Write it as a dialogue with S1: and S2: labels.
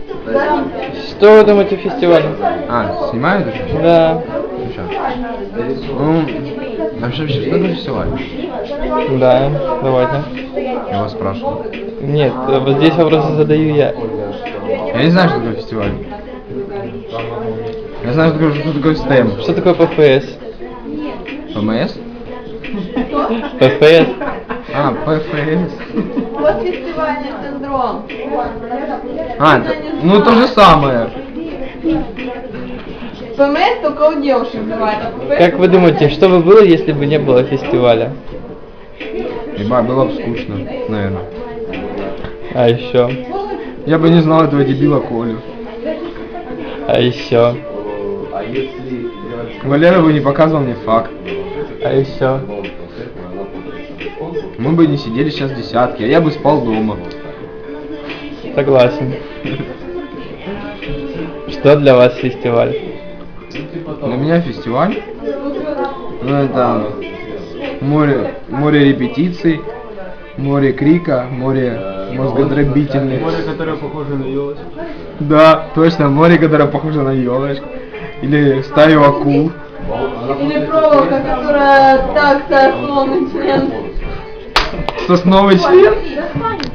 S1: Что вы думаете о фестивале?
S2: А, снимают еще?
S1: Да.
S2: Ну, вообще, что это фестиваль?
S1: Да, давайте.
S2: Я вас спрашиваю.
S1: Нет, вот здесь вопросы задаю я.
S2: Я не знаю, что такое фестиваль. Я знаю, что такое стем.
S1: Что такое ПФС?
S2: ПМС?
S1: ПФС.
S2: А, ПФС.
S3: Вот фестивальный синдром.
S2: А, ну то же самое.
S3: ПМС только у девушек бывает. А ПФС
S1: Как вы думаете, что бы было, если бы не было фестиваля?
S2: Ебать, было бы скучно, наверное.
S1: А еще?
S2: Я бы не знал этого дебила Колю.
S1: А еще?
S2: Валера бы не показывал мне факт.
S1: А еще?
S2: Мы бы не сидели сейчас в десятке, а я бы спал дома.
S1: Согласен. Что для вас фестиваль?
S2: Для меня фестиваль, ну это море репетиций, море крика, море мозгодробительных.
S4: Море, которое похоже на елочку.
S2: Да, точно, море, которое похоже на елочку. Или стаю акул.
S3: Или проволока, которая так сосновый член.
S2: Сосновый член?